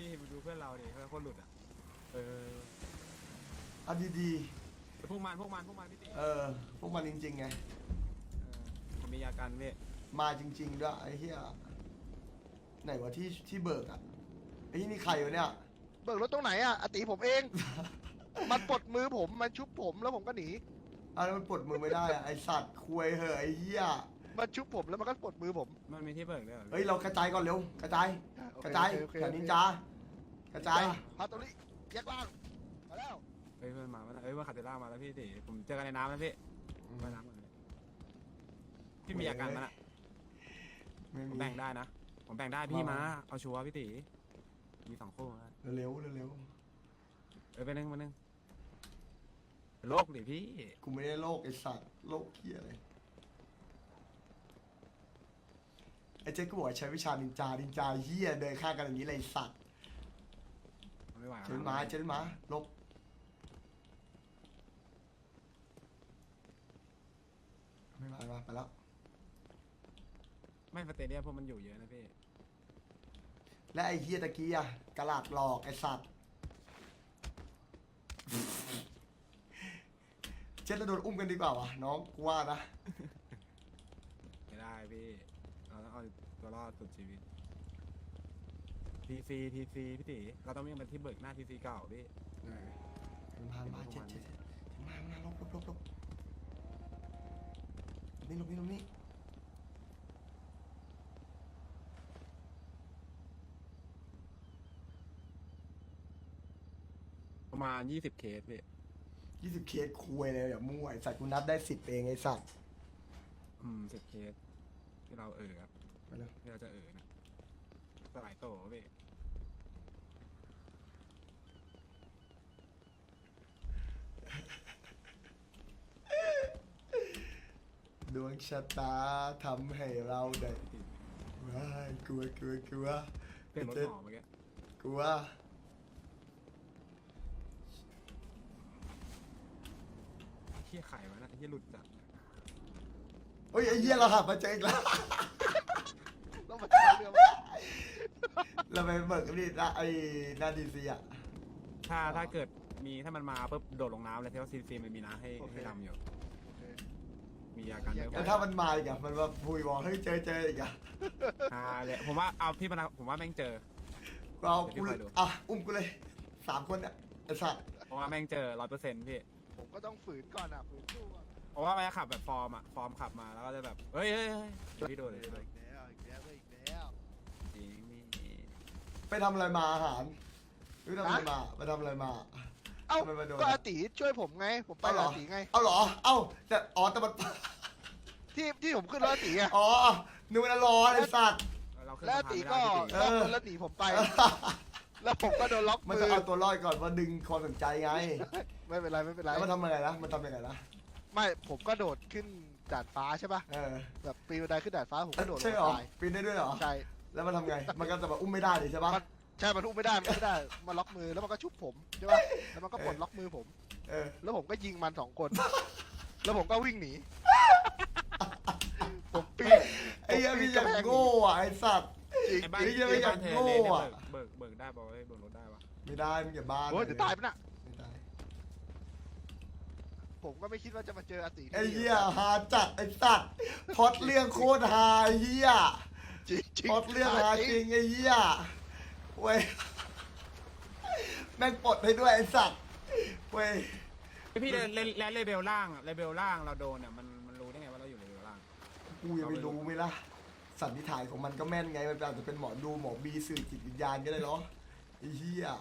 พี่มาดูเพื่อนเราดิเพื่อนคนหลุดอ่ะเอาดีพวกมันพี่ติพวกมันจริงๆไงผมมียากันพี่มาจริงๆด้วยไอ้เหี้ยไหนวะที่เบิกอ่ะไอ้ที่นี่ใครวะเนี่ยเบิกรถตรงไหนอ่ะอติผมเอง มันปลดมือผมมันชุบผมแล้วผมก็หนีแล้วมันปลดมือไม่ได้อะไอสัตว์คุยเหอะไอ้เหี้ยมันชุบผมแล้วมันก็ปลดมือผมมันมีที่เบิกด้วยเหรอเฮ้ยเรากระจายก่อนเร็วกระจายโอเคกระจายโอเคแถวโอเคนินจากระจายพาตัวนี้แยกล่างมาแล้วเฮ้ยเพื่อนมาแล้วเฮ้ยว่าคาเตล่ามาแล้วพี่ติผมเจอกันในน้ำแล้วพี่ว่ายน้ำกันเลยพี่มียากันมั้ยน่ะไม่ผมมีแบ่งได้นะผมแบ่งได้พี่มาเอาชัวร์พี่ติมี2 คู่นะเร็วไปนึงโลกดิพี่กูไม่ได้โรคไอสัตว์โรคเหี้ยอะไรไอเจ๊กูบอกใช้วิชานินจาเหี้ยเดินข้างกันอย่างนี้เลยไอ้สัตว์ไม่ไหวเจ๊มาลบไม่มาไปแล้วไม่สเตเดียมพวกมันอยู่เยอะนะพี่และไอ้เฮียตะกี้อะกระลาดหลอกไอ้สัตว์เจ๊จะโดนอุ้มกันดีกว่าวะน้องกูว่านะไม่ได้พี่เราต้องเอาตัวรอดสุดชีวิตทีซีพี่ติเราต้องวิ่งไปที่เบิกหน้าทีซีเก่าพี่มาเจ๊มาลบนี่ประมาณ20 เคสพี่ 20 เคสคุยเลยอย่ามั่วไอ้สัตว์กูนับได้10เองไอ้สัตว์ 10 เคสที่เราครับไปเลยที่เราจะนะสลายโตพี่ดวงชะตาทำให้เราได้ว้ายกลัวเปลี่ยนรถหมอเมื่อกี้กลัวเฮี้ยไข่วะนะเฮี้ยหลุดจัดเฮ้ยไอ้เหี้ยเราหับมาเจออีกแล้วต้องมาเรือมาเราไปเบิกนี่ไอ้หน้าดีซีอะถ้าเกิดมีถ้ามันมาปุ๊บโดดลงน้ำเลยที่ว่าซีมันมีน้ำให้ดำอยู่มียากันด้วยแล้วถ้ามันมาอีกอะมันมาพูดบอกเฮ้ยเจออีกอะเลยผมว่าเอาพี่มาผมว่าแม่งเจอกูเอากูอุ้มกูเลย3 คนเนี่ยไอ้สัตว์เพราะว่าแม่งเจอ100%พี่ผมก็ต้องฝืนก่อนอ่ะฝืนสู้ก่อนเพราะว่ามันจะขับแบบฟอร์มขับมาแล้วก็จะแบบเฮ้ยพี่โดนเลยอีกแล้วจริงนี่ไปทำอะไรมาอาหารไปทำอะไรมาไปทำอะไรมาเอ้าทำไมมาโดนก็อาติช่วยผมไงผมไปเอาเหรออาติไงเอาเหรอแต่มันที่ผมขึ้นรถอาติไงอ๋อนึกว่าร้อนไอ้สัตว์เราขึ้นแล้วสะอาพานติไม่ก็ได้พี่ล็อกรถแล้วหนีผมไป แล้วผมก็โดนล็อกมันมืจะอเอาตัวรอดก่อนว่าดึงความสนใจไงไม่เป็นไรแล้วมันทำยังไงนะมันทำยังไงนะไม่ผมก็โดดขึ้นดาดฟ้าใช่ป่ะ แบบปีนบันไดขึ้นดาดฟ้าผมก็โดดลใช่งเหรอตายปีนได้ด้วยเหรอใช่แล้วมันทำไงมันก็จะแบบอุ้มไม่ได้เลยใช่ปะใช่มันอุ้มไม่ได้มันล็อกมือแล้วมันก็ชุบผมใช่ป่ะแล้วมันก็ปลดล็อกมือผม แล้วผมก็ยิงมัน2 คน แล้วผมก็วิ่งหนีผมปีนไอ้เหี้ยพี่อย่างโง่อ่ะไอ้สัตว์จริงไอ้บ้านไอ้เหี้ยไม่อยากเธโง่เลยอะเบิกได้บอกว่าเบิกรถได้ปะไม่ได้มึงอย่าบ้าโอ้ยจะตายปะน่ะไม่ได้ผมก็ไม่คิดว่าจะมาเจออาติไอ้เหี้ยฮาจัดไอ้สัตว์พล็อดเรื่องโคตรฮาไอ้เหี้ยจริงจริงพล็อดเรื่องฮาจริงไอ้เหี้ยเว้ยแม่งปลดให้ด้วยไอ้สัตว์เว้ยพี่และเลเบลล่างเราโดนเนี่ยมันรู้ได้ไงว่าเราอยู่เลเบลล่างกูยังไม่รู้ไหมล่ะสันนิษฐานของมันก็แม่นไงมันอาจจะเป็นหมอดูหมอบีสื่อจิตวิญญาณก็ได้เนาะไอ้เหี้ย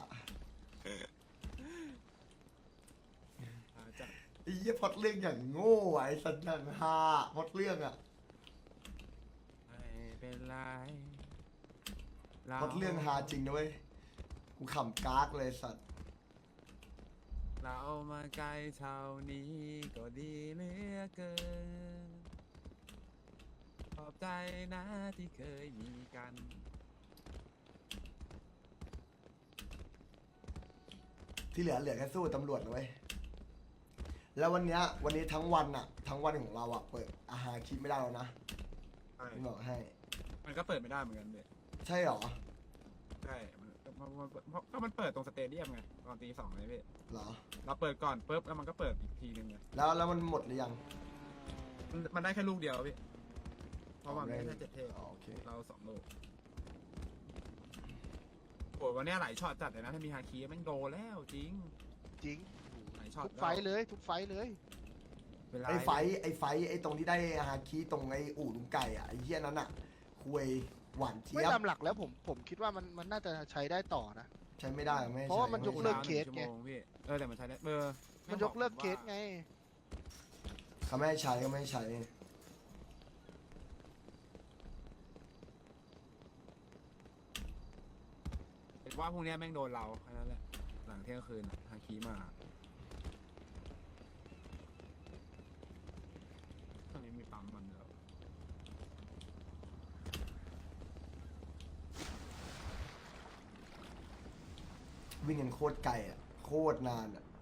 จะไอ้เหี้ยพล็อดเรื่องอย่างโง่อะไอ้สัตว์อย่างฮาพล็อดเรื่องอะไม่เป็นไรพล็อดเรื่องฮาจริงนะเว้ยกูขำกากเลยสัตว์เรามาไกลเท่านี้ก็ดีเหลือเกินขอบใจนะที่เคยมีกันที่เหลือแค่สู้ตำรวจนะเว้ยแล้ววันนี้ทั้งวันอะทั้งวันของเราอะเปิดอาหารคลิปไม่ได้แล้วนะพี่บอกให้มันก็เปิดไม่ได้เหมือนกันเลยใช่เหรอใช่มันก็มันเปิดตรงสเตเดียมไงตอนตี 2เลยพี่เหรอเราเปิดก่อนปุ๊บแล้วมันก็เปิดอีกทีนึงไงแล้วมันหมดหรือยังมันได้แค่ลูกเดียวพี่เพราะว่ามันได้แค่7 เทพอ๋อโอเคเรา2 ลูกโอ้ยวันเนี้ยหลายช็อตจัดเลยนะถ้ามีฮาคีแม่งโดนแล้วจริงจริงหลายช็อตทุกไฟท์เลยทุกไฟท์เลยเวลาไอ้ไฟไอ้ตรงที่ได้ฮาคิตรงไอ้อู่ลุงไก่อะไอ้เหี้ยนั้นอะคุยหวานเจี๊ไม่ยบตามหลักแล้วผมคิดว่ามันน่าจะใช้ได้ต่อนะใช้ไม่ได้ไม่ให้เพราะว่ามันใช้ยกเลิกเคส 1 ชั่วโมงพี่แต่มันใช้ได้มันยกเลิกเคสไงเขาไม่ให้ใช้ก็ไม่ให้ใช้ว่าพรุ่งนี้แม่งโดนเราแค่นั้นแหละหลังเที่ยงคืนฮาคีมาตอนนี้มีปั๊มมันแล้ววิ่งกันโคตรไกลอะโคตรนานอะ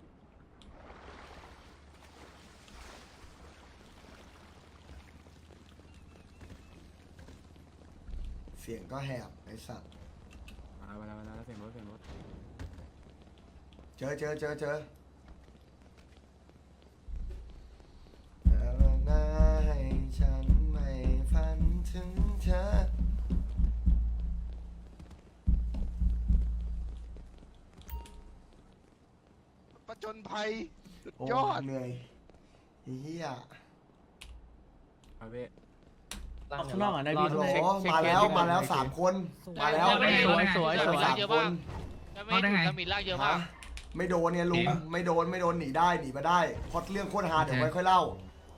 เสียงก็แหบไอ้สัตว์มาแล้วเสียงรถเจอให้ฉันไม่ฝันถึงเธอประจนภัยสุดโอ้ยอดเหนื่อยไอ้เฮียเอาเว้ยข้างนอกอ่ะได้พี่โหเช็คมาแล้ว3 คนมาแล้วสวยสวยสามคนไม่ถูกตำหนิล่างเยอะมากฮะไม่โดนเนี่ยลุงไม่โดนหนีได้หนีมาได้พอดเรื่องโคตรฮาเดี๋ยวไว้ค่อยเล่า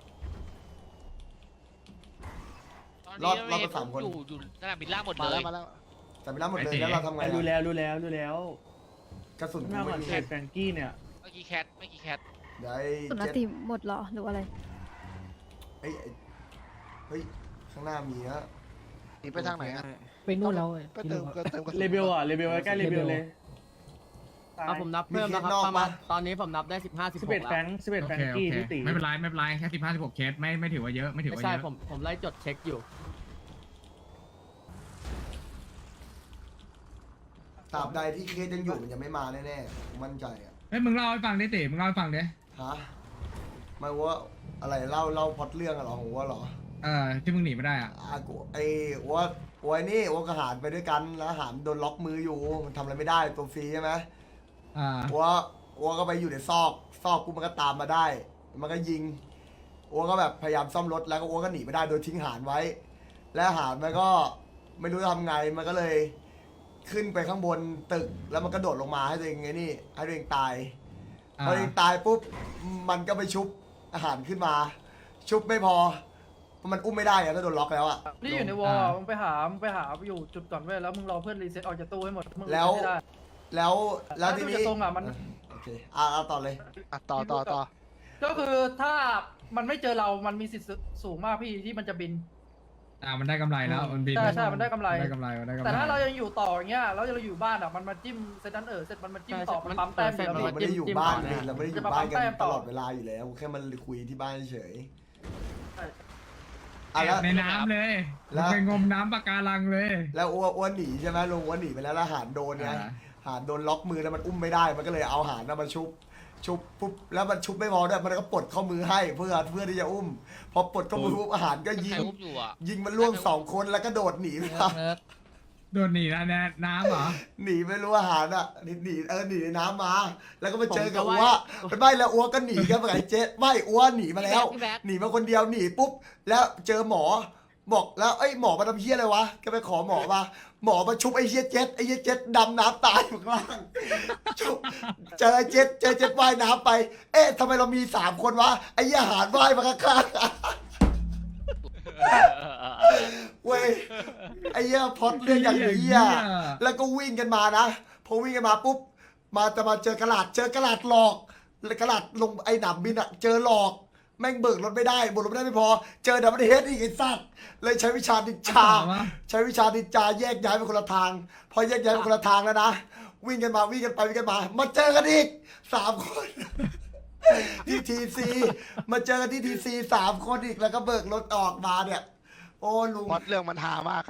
ตอนนี้รอดไปสามคนอยู่สนามบินล่างหมดมาเลแล้ยวมาแล้วแต่ไม่รับหมดเลยแล้วเราทำไงดูอะแล้วกระสุนหกูน้าก่ไม่อนมีเขตแฟรงกี้เนี่ยเมื่อกี้แคทเดี๋ยวไอ้สุนเจ็ดติหมดเหรอหรืออะไรเฮ้ยข้างหน้ามีนะหนีไปทางไหนอะไปนู่นแล้วก็เติมกระสุนเลเบลใกล้เลเบลเลยเอาผมนับเพิ่มนะครับประมาณตอนนี้ผมนับได้15 11 16 แฟแล้งว 11แฟรงโอกี้เคที่ตีไม่เป็นไรแค่15-16 เคสไม่ถือว่าเยอะไม่ถือไม่ว่าใช่เยอะผมไล่จดเช็คอยู่ตราบใดที่เคสยังอยู่มันจะไม่มาแน่ๆผมมั่นใจอะเฮ้ยมึงเล่าให้ฟังดิติมึงเล่าให้ฟังดิฮะไม่ว่าอะไรเล่าพล็อตเรื่องอะเหรอของว่าเหรอที่มึงหนีไม่ได้อ่ะกูไอ้ว่านี่ว่ากับหารไปด้วยกันแล้วหารโดนล็อกมืออยู่มันทำอะไรไม่ได้ตัวฟรีใช่ไหม ว่าก็ไปอยู่ในซอกกูมันก็ตามมาได้ มันก็ยิงว่าก็แบบพยายามซ่อมรถแล้วก็ว่าก็หนีไม่ได้โดยทิ้งหารไว้ และหารมันก็ไม่รู้จะทำไงมันก็เลยขึ้นไปข้างบนตึกแล้วมันก็โดดลงมาให้ตัวเองไงนี่ให้ตัวเองตายพอตัวเองตายปุ๊บมันก็ไปชุบอาหารขึ้นมา ชุบไม่พอมันอุ้มไม่ได้อะถ้าโดนล็อกแล้วอะนี่อยู่ในวอลมึงไปหาอยู่จุดก่อนเว้ยแล้วมึงรอเพื่อนรีเซ็ตออกจากตู้ให้หมดมึงแล้วไม่ได้แล้วทีนี้ถ้าดูจากทรงอะมันโอเคเอาต่อเลยอ่ะต่อก็คือถ้ามันไม่เจอเรามันมีสิทธิ์สูงมากพี่ที่มันจะบินมันได้กำไรแล้วมันบินใช่มันได้กำไรได้กำไรแต่ถ้าเรายังอยู่ต่ออย่างเงี้ยแล้วเราอยู่บ้านอ่ะมันมาจิ้มเซตนั้นเสร็จมันมาจิ้มต่อมันปั๊มแต้มอยู่แล้วเราพี่ไม่ได้อยู่บ้านเลยเราไม่ได้อยู่บ้านกันจะมาปั๊มแต้มตต่อลอดเวลาอยู่แล้วแค่มันคุยที่บ้านเฉยใช่อ่ะแล้วในน้ำเลยแล้วไปงมน้ำปะการังเลยแล้วอ้วนหนีใช่ไหมลุงอ้วนหนีไปแล้วหารโดนไงหารโดนล็อกมือแล้วมันอุ้มไม่ได้มันก็เลยเอาหารน่ะมาชุบปุ๊บแล้วมันชุบไม่พอด้วยมันก็ปลดข้อมือให้เพื่อที่จะอุ้มพอปลดข้อมือปุ๊บอาหารก็ยิใคงรอุ้มอยู่อ่ะยิงมันล่วง2 คนแล้วก็โดดหนีไปโดนหนีแล้วน้ำเหรอหนีไม่รู้อาหารอ่ะหนีในน้ำมา แล้วก็มาเจอกับอ้วไม่แล้วอ้วก็หนีกันไปไอ้เจ๊ไม่อ้วหนีมาแล้ว หนีมาคนเดียวหนีปุ๊บแล้วเจอหมอบอกแล้วไอ้หมอมาทำเฮี้ยอะไรวะก็ไปขอหมอมาชุบไอ้เฮี้ยเจ็ดดำน้ำตายอยู่ข้างล่างชุบเจอเจ็ดว่ายน้ำไปเอ๊ะทำไมเรามี3 คนวะไอ้เหี้ยหารว่ายมาข้างๆเว้ยไอ้เหี้ยพอดเรื่องอย่างเหี้ยแล้วก็วิ่งกันมานะพอวิ่งกันมาปุ๊บจะมาเจอกระดาษหลอกแล้วกระดาษลงไอ้หนามบินอะเจอหลอกแม่งเบิกรถไม่ได้เบิกรถไม่ได้ไม่พอเจอดับเบิลเฮดอีกไอ้สัตว์เลยใช้วิชาดิจาแยกย้ายไปคนละทางพอแยกย้ายไปคนละทางแล้วนะวิ่งกันมามาเจอกันอีก3 คนที่ทีซีมาเจอกันที่ทีซี3 คนอีกแล้วก็เบิกรถออกมาเนี่ยโอ้ลุงพอดเรื่องมันหามากครับ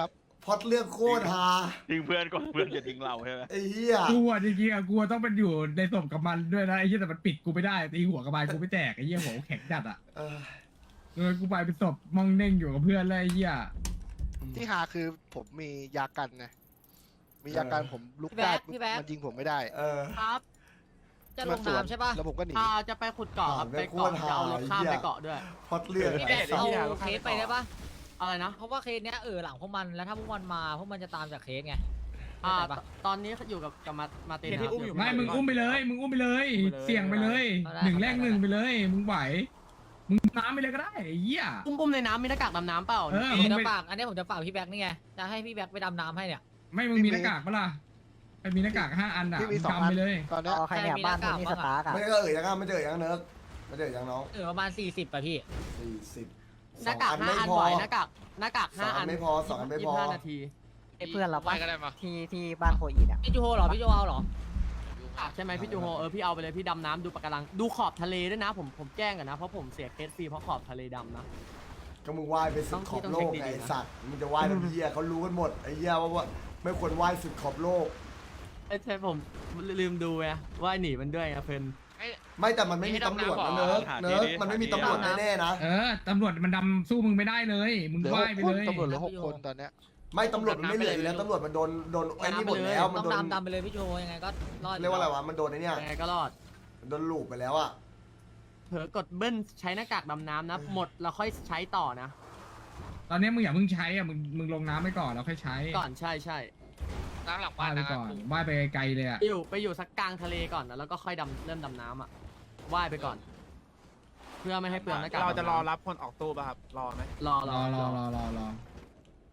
พอดเรื่องโคตรฮาทิ้งเพื่อนก่อนเพื่อนจะทิ้งเราใช่ไหมไอ้เหี้ยกูอ่ะจริงๆอ่ะกูต้องเป็นอยู่ในศพกับมันด้วยนะไอ้เหี้ยแต่มันปิดกูไม่ได้ตีหัวกระบาลกูไม่แตกไอ้เหี้ยหัวกูแข็งจัดอ่ะเออเลยกูไปเป็นศพมองเน่งอยู่กับเพื่อนเลยไอ้เหี้ยที่หาคือผมมียากันไงมียากันผมลุกได้พี่แบ๊กมันยิงผมไม่ได้เออครับ จะลงสวนน้ำใช่ป่ะแล้วผมก็หนีจะไปขุดเกาะครับอ่าไปเกาะไม่ควรจะเอารถข้ามหาไปเกาะด้วยพอดเรื่องพี่แดดสัตว์เอาเคสไปได้ปะอะไรนะเพราะว่าเคสเนี้ยหลังพวกมันแล้วถ้าพวกมันมาพวกมันจะตามจากเคสไงตอนนี้อยู่กับมาเตนเคสที่อุ้มอยู่ไม่มึงอุ้มไปเลยมึงอุ้มไปเลย เสี่ยงไปเลยเอาได้ 1แรก1ไปเลยมึงไหวมึงน้ำไปเลยก็ได้ไอ้เหี้ยอุ้มในน้ำมีหน้ากากดำน้ำเปล่าเออผมจะฝากอันนี้ผมจะฝากพี่แบ็คนี่ไงจะให้พี่แบ็คไปดำน้ำให้เนี่ยไม่มึงมีหน้ากากปะล่ะไอ้มีหน้ากาก5 อันอ่ะพี่มีมึง 2 อัทำนไปเลยตอนเนี้ยใครเนี่ยบ้านคนนี้สตาร์ไม่ก็ยังไม่เจอยังเนิร์กไม่เจอยังน้องประมาณ40ป่ะพี่ 40 หน้ากาก 2 5 อันไม่พอบ่อยหน้ากากสอง 5 อัอันนไม่พอ2 อันไม่พอ 25 นาทีเพื่อนเราไปปะก็ได้มาที่บ้านโคอีดอ่ะพี่จูโฮเหรอพี่จูเอาเหรอใช่ไหมพี่จูโฮพี่เอาไปเลยพี่ดำน้ำดูปะการังดูขอบทะเลด้วยนะผมแจ้งกันนะเพราะผมเสียเคสฟรีเพราะขอบทะเลดำนะก็มึงว่ายไปสุดขอบโลกไงไอ้สัตว์มึงจะว่ายแบบเหี้ยเขารู้กันหมดไอ้เหี้ยว่าไม่ควรว่ายสุดขอบโลกใช่ผมลืมดูไงว่าหนีมันด้วยไงเพลินไม่แต่มันไม่มีตำรวจนะเนิร์กมันไม่มีตำรวจแน่ๆนะเออตำรวจมันดำสู้มึงไม่ได้เลย มึงเหลือไหว้ไป 6 คนเลยตำรวจเหลือ6 คนตอนเนี้ยไม่ตำรวจมันไม่เหลืออยู่แล้วตำรวจมันโดนไอ้นี่หมดแล้วมันต้องโดนดำไปเลยพี่จูโฮยังไงก็รอดเรียกว่าอะไรวะมันโดนไอ้เนี่ยยังไงก็รอดโดนลูบไปแล้วอ่ะเผลอกดเบิ้ลใช้หน้ากากดำน้ำนะหมดแล้วค่อยใช้ต่อนะตอนนี้มึงอย่าเพิ่งใช้อ่ะมึงลงน้ำไปก่อนแล้วค่อยใช้ก่อนใช่น้ำหลังว่าบ้านไปนะครัก่บอนว่ายไปไกลเลยอ่ะไปอยู่สักกลางทะเลก่อนนะแล้วก็ค่อยเริ่มดำน้ำอ่ะว่ายไปก่อน เพื่อไม่ให้เปลืองหน้ากากเราจะรอรับคนออกตู้ป่ะครับรอไหมรอรอ